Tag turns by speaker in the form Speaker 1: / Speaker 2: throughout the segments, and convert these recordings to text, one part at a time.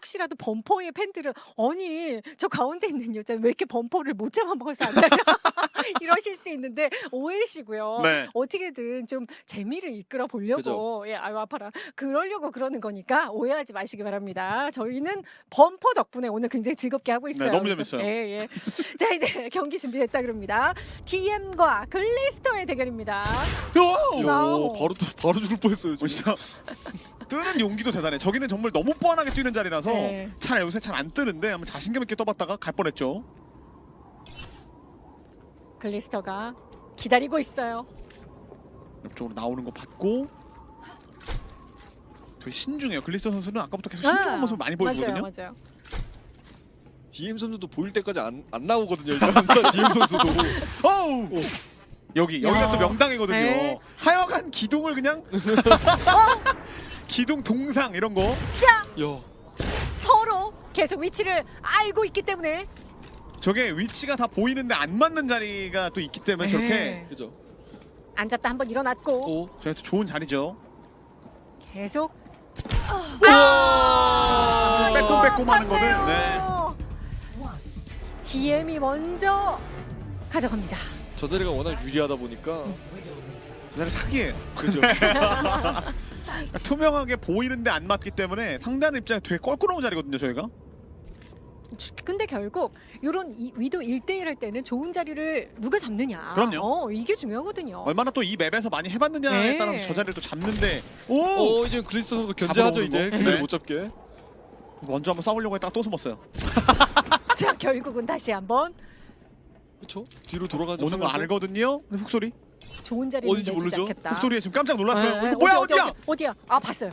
Speaker 1: 혹시라도 범퍼의 팬들은 아니 저 가운데 있는 여자는 왜 이렇게 범퍼를 못 잡아먹어서 안 달려 이러실 수 있는데 오해시고요.
Speaker 2: 네.
Speaker 1: 어떻게든 좀 재미를 이끌어 보려고 예 아유 아파라 그러려고 그러는 거니까 오해하지 마시기 바랍니다. 저희는 범퍼 덕분에 오늘 굉장히 즐겁게 하고 있어요.
Speaker 2: 너무
Speaker 1: 그렇죠?
Speaker 2: 재밌어요.
Speaker 1: 예, 예. 자 이제 경기 준비됐다 그럽니다. DM과 글리스터의 대결입니다. 와우.
Speaker 3: 바로 죽을 뻔했어요. 지금.
Speaker 2: 진짜 뜨는 용기도 대단해. 저기는 정말 너무 뻔하게 뛰는 자리라서
Speaker 1: 네.
Speaker 2: 잘 요새 잘 안 뜨는데 한번 자신감 있게 떠봤다가 갈 뻔했죠.
Speaker 1: 글리스터가 기다리고 있어요.
Speaker 2: 옆쪽으로 나오는 거 봤고 되게 신중해요. 글리스터 선수는 아까부터 계속 신중한 모습을 많이 보여주거든요.
Speaker 1: 맞아요, 맞아요.
Speaker 3: DM 선수도 보일 때까지 안 나오거든요. 일단 DM 선수도.
Speaker 2: 어우! 여기가
Speaker 1: 야.
Speaker 2: 또 명당이거든요.
Speaker 1: 네.
Speaker 2: 하여간 기둥을 그냥 기둥 동상 이런 거.
Speaker 1: 자
Speaker 3: 야,
Speaker 1: 서로 계속 위치를 알고 있기 때문에
Speaker 2: 저게 위치가 다 보이는데 안 맞는 자리가 또 있기 때문에
Speaker 1: 네.
Speaker 2: 저렇게
Speaker 3: 그죠?
Speaker 1: 앉았다 한번 일어났고
Speaker 3: 오,
Speaker 2: 저게 또 좋은 자리죠.
Speaker 1: 계속
Speaker 2: 빼꼼빼꼼 하는 거는 네.
Speaker 1: 맞네요. DM이 먼저 가져갑니다.
Speaker 3: 저 자리가 워낙 유리하다 보니까
Speaker 2: 저 자리 사기예요.
Speaker 3: 그죠?
Speaker 2: 투명하게 보이는데 안 맞기 때문에 상대하는 입장에 되게 껄끄러운 자리거든요, 저희가.
Speaker 1: 근데 결국 이런 위도 1대1 할 때는 좋은 자리를 누가 잡느냐.
Speaker 2: 그럼요.
Speaker 1: 이게 중요하거든요.
Speaker 2: 얼마나 또 이 맵에서 많이 해봤느냐에
Speaker 1: 네.
Speaker 2: 따라서 저 자리를 또 잡는데 오!
Speaker 3: 이제 글리스터 선수 견제하죠
Speaker 2: 잡으러
Speaker 3: 이제
Speaker 2: 오는 거?
Speaker 3: 그대로
Speaker 2: 네.
Speaker 3: 못 잡게.
Speaker 2: 먼저 한번 싸우려고 했다가 또 숨었어요.
Speaker 1: 자 결국은 다시 한번
Speaker 3: 그렇죠? 뒤로 돌아가죠.
Speaker 2: 오는 거 알거든요. 근데 훅소리?
Speaker 1: 좋은 자리를
Speaker 3: 어딘지
Speaker 1: 내주지
Speaker 3: 모르죠?
Speaker 1: 않겠다.
Speaker 2: 훅소리에 지금 깜짝 놀랐어요.
Speaker 1: 네,
Speaker 2: 이거 뭐야
Speaker 1: 어디,
Speaker 2: 어디야?
Speaker 1: 어디야? 아 봤어요.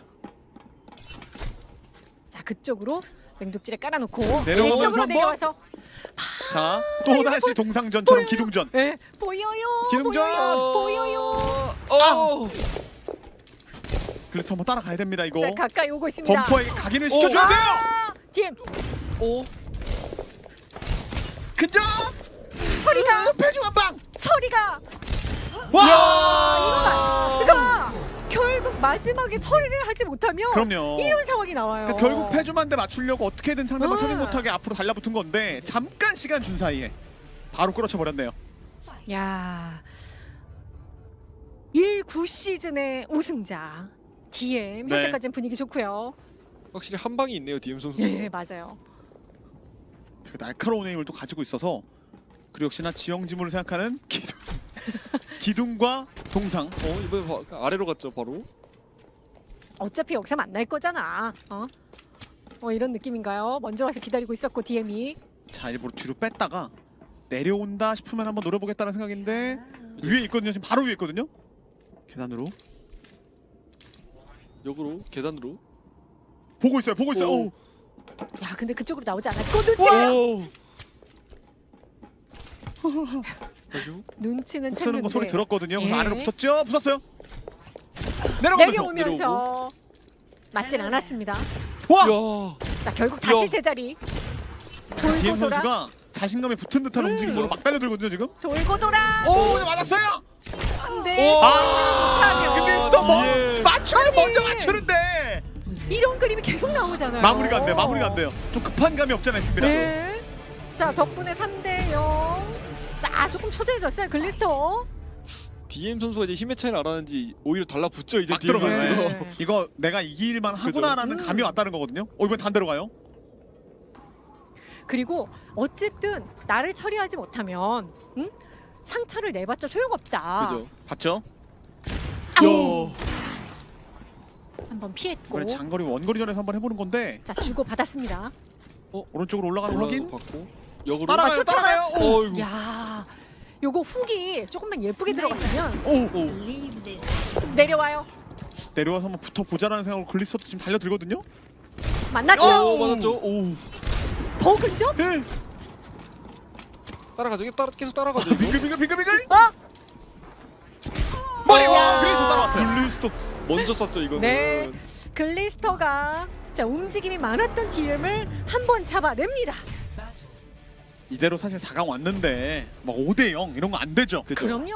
Speaker 1: 자 그쪽으로 맹독질에 깔아놓고
Speaker 2: 내려오면서
Speaker 1: 왼쪽으로
Speaker 2: 한번?
Speaker 1: 내려와서
Speaker 2: 자, 또 다시 동상전처럼
Speaker 1: 보여요.
Speaker 2: 기둥전.
Speaker 1: 예 보여요.
Speaker 2: 기둥전!
Speaker 1: 보여요.
Speaker 3: 어.
Speaker 2: 그래서 한번 따라가야 됩니다 이거.
Speaker 1: 자 가까이 오고 있습니다.
Speaker 2: 범퍼에게 각인을 시켜줘야 돼요.
Speaker 1: 아, DM
Speaker 3: 오.
Speaker 2: 그죠?
Speaker 1: 처리가
Speaker 2: 패중 한 방.
Speaker 1: 처리가
Speaker 2: 와!
Speaker 1: 그러니까 결국 마지막에 처리를 하지 못하면
Speaker 2: 그럼요.
Speaker 1: 이런 상황이 나와요.
Speaker 2: 그러니까 결국 패주만대 맞추려고 어떻게든 상대방 차지
Speaker 1: 음.
Speaker 2: 못하게 앞으로 달라붙은 건데 잠깐 시간 준 사이에 바로 끌어쳐 버렸네요.
Speaker 1: 야 1-9 시즌의 우승자 DM
Speaker 2: 네.
Speaker 1: 현재까지는 분위기 좋고요.
Speaker 3: 확실히 한 방이 있네요 DM 선수.
Speaker 1: 예 맞아요.
Speaker 2: 되게 날카로운 힘을 또 가지고 있어서 그리고 역시나 지형지물을 생각하는 기둥과 동상.
Speaker 3: 이번에 아래로 갔죠 바로.
Speaker 1: 어차피 여기서 만날 거잖아. 이런 느낌인가요? 먼저 와서 기다리고 있었고 DM이
Speaker 2: 자 일부러 뒤로 뺐다가 내려온다 싶으면 한번 노려보겠다는 생각인데 위에 있거든요. 지금 바로 위에 있거든요. 계단으로
Speaker 3: 역으로 계단으로.
Speaker 2: 보고 있어요. 보고 있어요.
Speaker 3: 오.
Speaker 2: 오.
Speaker 1: 야 근데 그쪽으로 나오지 않았고 눈치
Speaker 3: 오. 다시 후.
Speaker 1: 눈치는
Speaker 2: 쓰는 거 소리
Speaker 1: 챘는데
Speaker 2: 들었거든요. 그래서
Speaker 1: 예.
Speaker 2: 아래로 붙었죠. 붙었어요. 내려가면서
Speaker 1: 내려오면서 맞진 않았습니다.
Speaker 2: 와!
Speaker 3: 야.
Speaker 1: 자 결국 다시
Speaker 3: 야.
Speaker 1: 제자리
Speaker 2: DM
Speaker 1: 돌고 돌아
Speaker 2: 선수가 자신감이 붙은 듯한 움직임으로 막 달려들거든요 지금.
Speaker 1: 돌고 돌아
Speaker 2: 오, 네, 맞았어요.
Speaker 1: 근데
Speaker 2: 아, 근데 또 뭐,
Speaker 3: DM.
Speaker 2: 맞추는
Speaker 1: 아니.
Speaker 2: 먼저 맞추는데
Speaker 1: 이런 그림이 계속 나오잖아요.
Speaker 2: 마무리가 안 돼. 마무리가 안 돼요. 좀 급한 감이 없지 않아 있습니다.
Speaker 1: 네. 자 덕분에 3대0. 자 조금 초조해졌어요 글리스터.
Speaker 3: DM 선수가 이제 힘의 차이를 알았는지 오히려 달라붙죠 이제
Speaker 2: 막
Speaker 3: DM
Speaker 2: 들어가요.
Speaker 3: 선수가.
Speaker 1: 네.
Speaker 2: 이거 내가 이길만 하구나라는
Speaker 1: 그죠.
Speaker 2: 감이 왔다는 거거든요. 이번 반대로 가요.
Speaker 1: 그리고 어쨌든 나를 처리하지 못하면 상처를 내봤자 소용없다.
Speaker 3: 그죠.
Speaker 2: 봤죠?
Speaker 1: 아우!
Speaker 3: 야.
Speaker 1: 한번 피했고.
Speaker 2: 이번에 장거리 원거리전에서 한번 해보는 건데
Speaker 1: 자 주고 받았습니다.
Speaker 2: 오른쪽으로 올라가는 거 확인.
Speaker 3: 받고 역으로.
Speaker 2: 따라가요.
Speaker 1: 쫓아가요.
Speaker 2: 따라가요. 오.
Speaker 3: 어이구.
Speaker 1: 야 요거 훅이 조금만 예쁘게 들어갔으면
Speaker 2: 오.
Speaker 3: 오.
Speaker 1: 내려와요.
Speaker 2: 내려와서 한번 붙어 보자라는 생각으로 글리스터도 지금 달려들거든요.
Speaker 1: 만났죠.
Speaker 3: 오 맞았죠. 오.
Speaker 1: 더 근접?
Speaker 2: 예.
Speaker 3: 따라가죠. 계속 따라가죠. 이거.
Speaker 2: 빙글빙글.
Speaker 1: 어?
Speaker 2: 머리 와. 그래서 따라왔어요.
Speaker 3: 글리스터 먼저 쐈죠 이거는.
Speaker 1: 네. 글리스터가 자 움직임이 많았던 DM을 한번 잡아냅니다.
Speaker 2: 이대로 사실 4강 왔는데 막 5대0 이런 거 안 되죠.
Speaker 3: 그죠.
Speaker 1: 그럼요.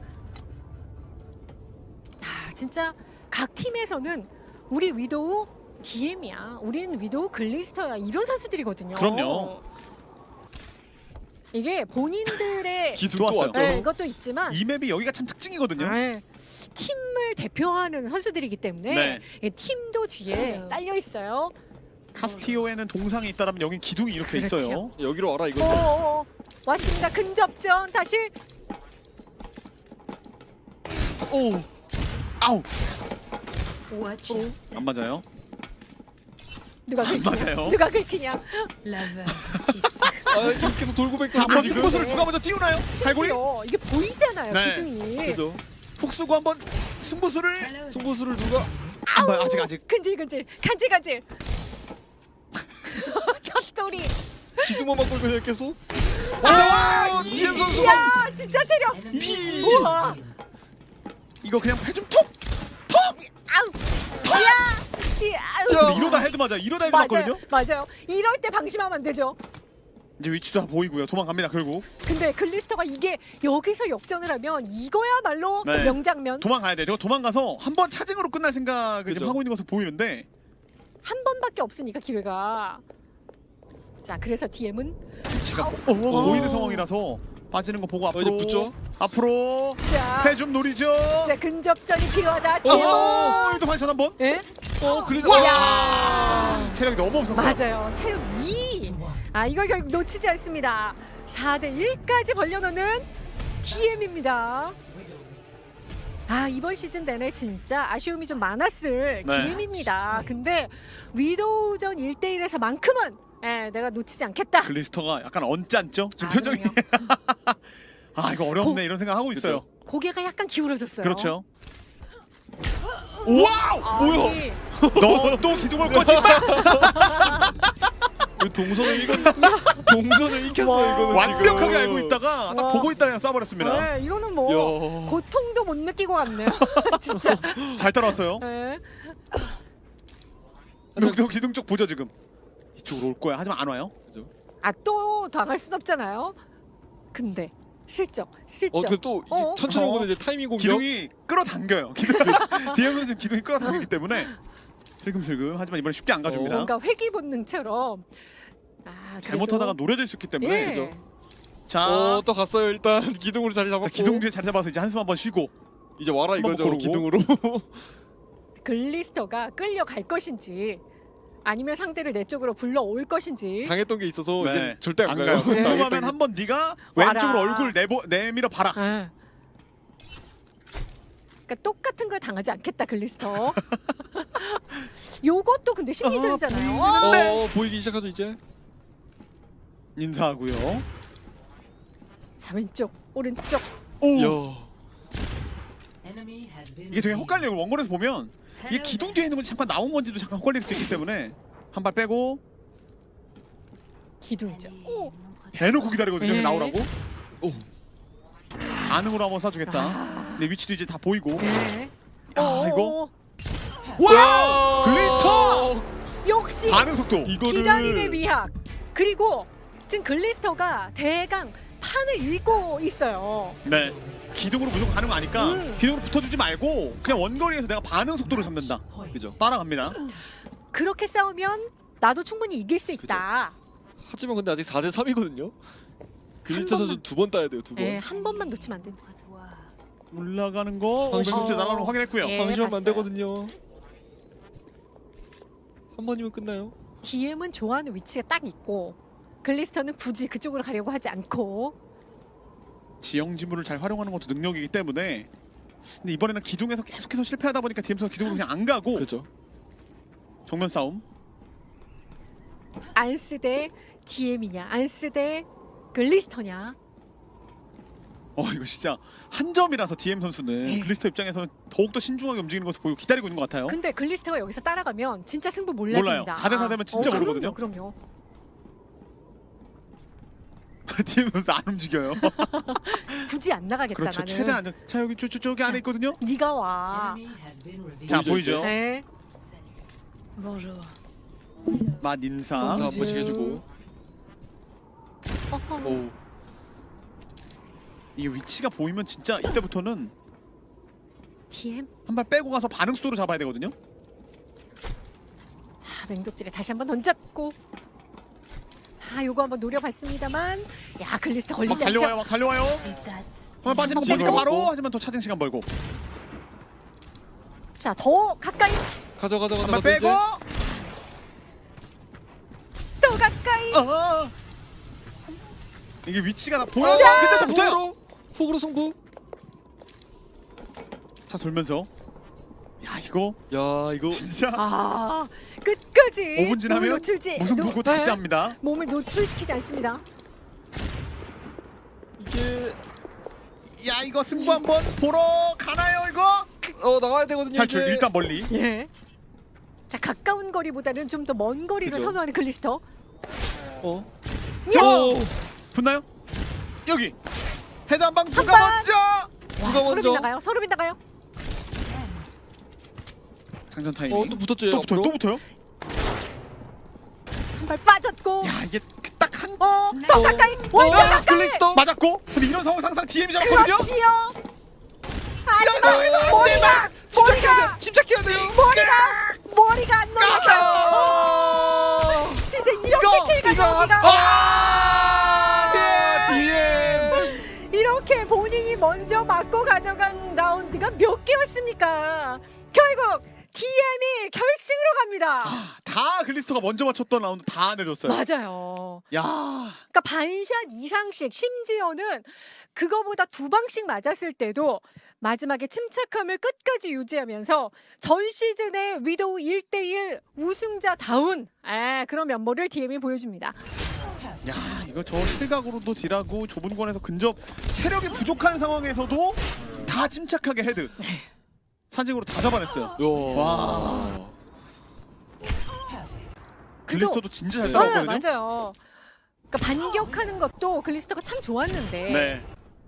Speaker 1: 진짜 각 팀에서는 우리 위도우 DM이야. 우린 위도우 글리스터야. 이런 선수들이거든요.
Speaker 2: 그럼요.
Speaker 1: 이게 본인들의
Speaker 3: 기둥 또
Speaker 2: 좋았어요.
Speaker 3: 왔죠.
Speaker 1: 네, 이것도 있지만
Speaker 2: 이 맵이 여기가 참 특징이거든요.
Speaker 1: 네, 팀을 대표하는 선수들이기 때문에
Speaker 2: 네.
Speaker 1: 이 팀도 뒤에 딸려 있어요.
Speaker 2: 카스티오에는 동상이 있다라면 여긴 기둥이 이렇게
Speaker 1: 그렇죠.
Speaker 2: 있어요.
Speaker 3: 여기로 와라 이거.
Speaker 1: 오, 왔습니다. 근접전 다시.
Speaker 3: 오.
Speaker 2: 아우
Speaker 4: Watch us.
Speaker 2: 안 맞아요.
Speaker 1: 누가 긁히냐?
Speaker 2: 맞아요.
Speaker 1: 누가 긁히냐?
Speaker 4: L'aveugle qui sait.
Speaker 3: 아 지금 계속 돌고
Speaker 2: 자,
Speaker 3: 뱉고
Speaker 2: 한번
Speaker 3: 지금.
Speaker 2: 승부수를 누가 먼저 띄우나요? 갈고리
Speaker 1: 심지어 이게 보이잖아요.
Speaker 2: 네.
Speaker 1: 기둥이.
Speaker 3: 그죠.
Speaker 2: 훅 쓰고 한번 승부수를
Speaker 3: 승부수를 누가
Speaker 2: 한번 아직
Speaker 1: 근질근질 간질간질. 탑스토리.
Speaker 3: 기둥만 맞고 그냥 계속.
Speaker 2: 와!
Speaker 3: DM 선수가
Speaker 1: 이야 진짜 체력.
Speaker 2: 이
Speaker 1: 우와.
Speaker 2: 이거 그냥 패좀 톡! 톡!
Speaker 1: 아우. 이야.
Speaker 2: 근데 이러다 헤드 맞아. 이러다 헤드 맞거든요.
Speaker 1: 맞아요. 이럴 때 방심하면 안 되죠.
Speaker 2: 이제 위치도 다 보이고요. 도망갑니다. 결국
Speaker 1: 근데 글리스터가 이게 여기서 역전을 하면 이거야말로
Speaker 2: 네.
Speaker 1: 명장면.
Speaker 2: 도망가야 돼. 저거 도망가서 한 번 차징으로 끝날 생각을
Speaker 3: 그죠.
Speaker 2: 지금 하고 있는 것으로 보이는데
Speaker 1: 한 번밖에 없으니까 기회가. 자, 그래서 DM은
Speaker 2: 위치가 보이는 상황이라서 빠지는 거 보고
Speaker 3: 이제
Speaker 2: 앞으로
Speaker 3: 붙죠.
Speaker 2: 앞으로
Speaker 1: 자,
Speaker 2: 패 좀 노리죠.
Speaker 1: 자 근접전이 필요하다. DM은.
Speaker 2: 여기도 반샷 한 번.
Speaker 1: 예?
Speaker 3: 그래서
Speaker 1: 와!
Speaker 2: 체력이 너무 없었어요.
Speaker 1: 맞아요. 체육 2. 아, 이걸 결국 놓치지 않습니다. 4대 1까지 벌려놓는 DM입니다. 아, 이번 시즌 내내 진짜 아쉬움이 좀 많았을
Speaker 2: 네.
Speaker 1: DM입니다. 근데 위도우전 1대1에서만큼은 내가 놓치지 않겠다.
Speaker 2: 글리스터가 약간 언짢죠? 지금
Speaker 1: 아,
Speaker 2: 표정이.
Speaker 1: 그럼요.
Speaker 2: 아 이거 어렵네 이런 생각 하고 있어요.
Speaker 1: 고개가 약간 기울어졌어요.
Speaker 2: 그렇죠. 와우!
Speaker 1: 아니,
Speaker 2: 너 또 기둥을 꽂지 마!
Speaker 3: 왜 동선을 읽었 동선을 읽혔어
Speaker 1: 와.
Speaker 3: 이거는
Speaker 2: 완벽하게
Speaker 3: 지금.
Speaker 2: 알고 있다가 딱
Speaker 1: 와.
Speaker 2: 보고 있다 그냥 쏴버렸습니다.
Speaker 1: 네, 이거는 뭐
Speaker 3: 야.
Speaker 1: 고통도 못 느끼고 갔네요. 진짜.
Speaker 2: 잘 따라왔어요.
Speaker 1: 네.
Speaker 2: 너 기둥 쪽 보죠 지금. 이쪽으로 올 거야. 하지만 안 와요.
Speaker 1: 아, 또 당할 순 없잖아요. 근데 슬쩍.
Speaker 3: 또
Speaker 1: 어?
Speaker 3: 천천히 오고는 이제 타이밍 공격.
Speaker 2: 기둥이 끌어당겨요. DM은 지금 기둥이 끌어당기기 때문에 슬금슬금 하지만 이번에 쉽게 안 가줍니다.
Speaker 1: 뭔가 회귀 본능처럼. 아, 그래도-
Speaker 2: 잘못하다가 노려질 수 있기 때문에
Speaker 1: 예.
Speaker 2: 그죠? 자,
Speaker 3: 또 갔어요 일단 기둥으로 자리 잡았고.
Speaker 2: 자 기둥 뒤에 자리 잡아서 이제 한숨 한번 쉬고
Speaker 3: 이제 와라
Speaker 2: 숨 한번
Speaker 3: 이거죠
Speaker 2: 고르고.
Speaker 3: 기둥으로.
Speaker 1: 글리스터가 끌려갈 것인지 아니면 상대를 내 쪽으로 불러올 것인지.
Speaker 3: 당했던 게 있어서
Speaker 2: 네.
Speaker 3: 이제 절대 안
Speaker 2: 안
Speaker 3: 가요.
Speaker 2: 가요.
Speaker 1: 네.
Speaker 2: 궁금하면 한번 네가
Speaker 1: 와라.
Speaker 2: 왼쪽으로 얼굴 내밀어 봐라.
Speaker 1: 아. 그러니까 똑같은 걸 당하지 않겠다 글리스터. 요것도 근데 심리전이잖아요.
Speaker 2: 아,
Speaker 3: 보이기 시작하죠 이제.
Speaker 2: 인사하고요.
Speaker 1: 자, 왼쪽 오른쪽.
Speaker 2: 오,
Speaker 3: 야.
Speaker 2: 이게 되게 헛갈려요. 원본에서 보면 이게 기둥 뒤에 있는 건지 잠깐 나온 건지도 잠깐 헛갈릴 수 있기 때문에 한 발 빼고
Speaker 1: 기둥이죠. 오.
Speaker 2: 대놓고 기다리거든요.
Speaker 1: 네.
Speaker 2: 나오라고.
Speaker 3: 오.
Speaker 2: 반응으로 한번 쏴주겠다. 근데 위치도 이제 다 보이고.
Speaker 1: 네.
Speaker 2: 아, 이거?
Speaker 1: 오.
Speaker 2: 와! 글리스터!
Speaker 1: 역시
Speaker 2: 반응 속도.
Speaker 3: 이거를
Speaker 1: 기다림의 미학. 그리고 지금 글리스터가 대강 판을 읽고 있어요.
Speaker 2: 네. 기둥으로 무조건 가는 거 아니까 기둥으로 붙어주지 말고 그냥 원거리에서 내가 반응 속도를 잡는다.
Speaker 3: 그죠.
Speaker 2: 따라갑니다.
Speaker 1: 그렇게 싸우면 나도 충분히 이길 수 있다.
Speaker 3: 하지만 근데 아직 4대 3이거든요. 글리스터 선수
Speaker 1: 번만-
Speaker 3: 2번 따야 돼요. 2번.
Speaker 1: 네, 한 번만 놓치면 안 된다.
Speaker 2: 올라가는 거
Speaker 3: 방심.
Speaker 2: 500m 날아오는 거 확인했고요.
Speaker 1: 예.
Speaker 3: 방심하면 안
Speaker 1: 봤어요.
Speaker 3: 되거든요. 한 번이면 끝나요.
Speaker 1: DM은 좋아하는 위치가 딱 있고 글리스터는 굳이 그쪽으로 가려고 하지 않고.
Speaker 2: 지형 지물을 잘 활용하는 것도 능력이기 때문에 근데 이번에는 기둥에서 계속해서 실패하다 보니까 DM에서 기둥으로 그냥 안 가고
Speaker 3: 그죠.
Speaker 2: 정면 싸움.
Speaker 1: 안스 대 DM이냐 안스 대 글리스터냐.
Speaker 2: 이거 진짜 한 점이라서 DM 선수는
Speaker 1: 예.
Speaker 2: 글리스터 입장에서는 더욱더 신중하게 움직이는 것을 보이고 기다리고 있는 것 같아요.
Speaker 1: 근데 글리스터가 여기서 따라가면 진짜 승부
Speaker 2: 몰라요.
Speaker 1: 몰라집니다.
Speaker 2: 4대4 되면 진짜 모르거든요.
Speaker 1: 그럼요.
Speaker 2: DM 선수 안 움직여요.
Speaker 1: 굳이 안 나가겠다
Speaker 2: 그렇죠.
Speaker 1: 나는.
Speaker 2: 최대한 안전. 자 여기 저기 안에 있거든요.
Speaker 1: 네가 와.
Speaker 2: 자
Speaker 3: 보이죠,
Speaker 2: 보이죠.
Speaker 3: 이제?
Speaker 1: 네.
Speaker 4: Bonjour.
Speaker 2: 맛 인사.
Speaker 3: 자, 한
Speaker 1: bonjour.
Speaker 3: 번씩 해주고.
Speaker 1: 어허.
Speaker 3: 오.
Speaker 2: 이게 위치가 보이면 진짜 이때부터는
Speaker 1: DM.
Speaker 2: 한 발 빼고 가서 반응 속도로 잡아야 되거든요.
Speaker 1: 자, 맹독질에 다시 한번 던졌고. 요거 한번 노려봤습니다만, 야, 글리스터
Speaker 2: 막
Speaker 1: 걸리지 않죠?
Speaker 2: 달려와요, 막 달려와요.
Speaker 4: That's
Speaker 2: 빠지는 거
Speaker 1: 한번
Speaker 2: 보니까
Speaker 1: 버리고.
Speaker 2: 바로 하지만 더 차징 시간 벌고
Speaker 1: 자, 더 가까이,
Speaker 3: 가자
Speaker 2: 한발 빼고.
Speaker 1: 더 가까이.
Speaker 2: 이게 위치가 다 보여.
Speaker 1: 자!
Speaker 2: 그때부터 붙어요.
Speaker 3: 훅으로 승부.
Speaker 2: 자 돌면서. 야 이거
Speaker 3: 야 이거
Speaker 2: 진짜
Speaker 1: 끝까지
Speaker 2: 5분
Speaker 1: 몸을
Speaker 2: 지나면
Speaker 1: 노출지
Speaker 2: 무슨 보고 다시 합니다.
Speaker 1: 몸을 노출시키지 않습니다.
Speaker 3: 이게
Speaker 2: 야 이거 승부 한번 보러 가나요 이거?
Speaker 3: 나가야 되거든요.
Speaker 2: 탈출
Speaker 3: 이제.
Speaker 2: 일단 멀리.
Speaker 1: 예. 자, 가까운 거리보다는 좀 더 먼 거리를
Speaker 2: 그죠.
Speaker 1: 선호하는 글리스터. 야!
Speaker 3: 오.
Speaker 2: 붙나요? 여기 헤드 한 방 누가
Speaker 1: 방!
Speaker 2: 먼저?
Speaker 1: 와,
Speaker 3: 누가
Speaker 1: 서로
Speaker 3: 먼저?
Speaker 1: 빗나가요. 서로 빗나가요.
Speaker 2: 장전 타이밍.
Speaker 3: 또 붙었죠.
Speaker 2: 또 붙어요. 또 붙어요.
Speaker 1: 한 발 빠졌고.
Speaker 2: 야 이게 딱한
Speaker 1: 더 가까이. 완전 가까이.
Speaker 3: 글리스터.
Speaker 2: 맞았고. 근데 이런 상황 항상 DM이 잡았거든요.
Speaker 1: 그렇지요. 하지만 머리가
Speaker 3: 침착해야 돼요.
Speaker 1: 머리가 안 넘어가요. 진짜 이렇게 킬가 저기가
Speaker 2: DM.
Speaker 1: 이렇게 본인이 먼저 맞고 가져간 라운드가 몇 개였습니까? 결국 DM이 결승으로 갑니다.
Speaker 2: 다 글리스터가 먼저 맞췄던 라운드 다 내줬어요.
Speaker 1: 맞아요.
Speaker 2: 야.
Speaker 1: 그러니까 반샷 이상씩, 심지어는 그거보다 2방씩 맞았을 때도 마지막에 침착함을 끝까지 유지하면서 전 시즌의 위도우 1대1 우승자다운 그런 면모를 DM이 보여줍니다.
Speaker 2: 야 이거 저 실각으로도 딜하고 좁은 권에서 근접 체력이 부족한 상황에서도 다 침착하게 헤드 차징으로 다 잡아냈어요. 와. 글리스터도 진짜 잘 따라왔거든요.
Speaker 1: 맞아요. 그러니까 반격하는 것도 글리스터가 참 좋았는데
Speaker 2: 네.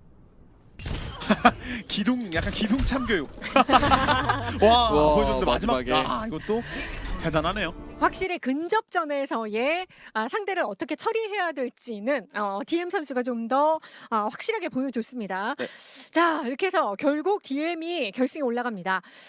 Speaker 2: 기둥 약간 기둥 참교육. 와 보여줬는데 마지막
Speaker 3: 마지막에.
Speaker 2: 이것도 대단하네요.
Speaker 1: 확실히 근접전에서의 상대를 어떻게 처리해야 될지는 DM 선수가 좀 더 확실하게 보여줬습니다.
Speaker 3: 네.
Speaker 1: 자, 이렇게 해서 결국 DM이 결승에 올라갑니다.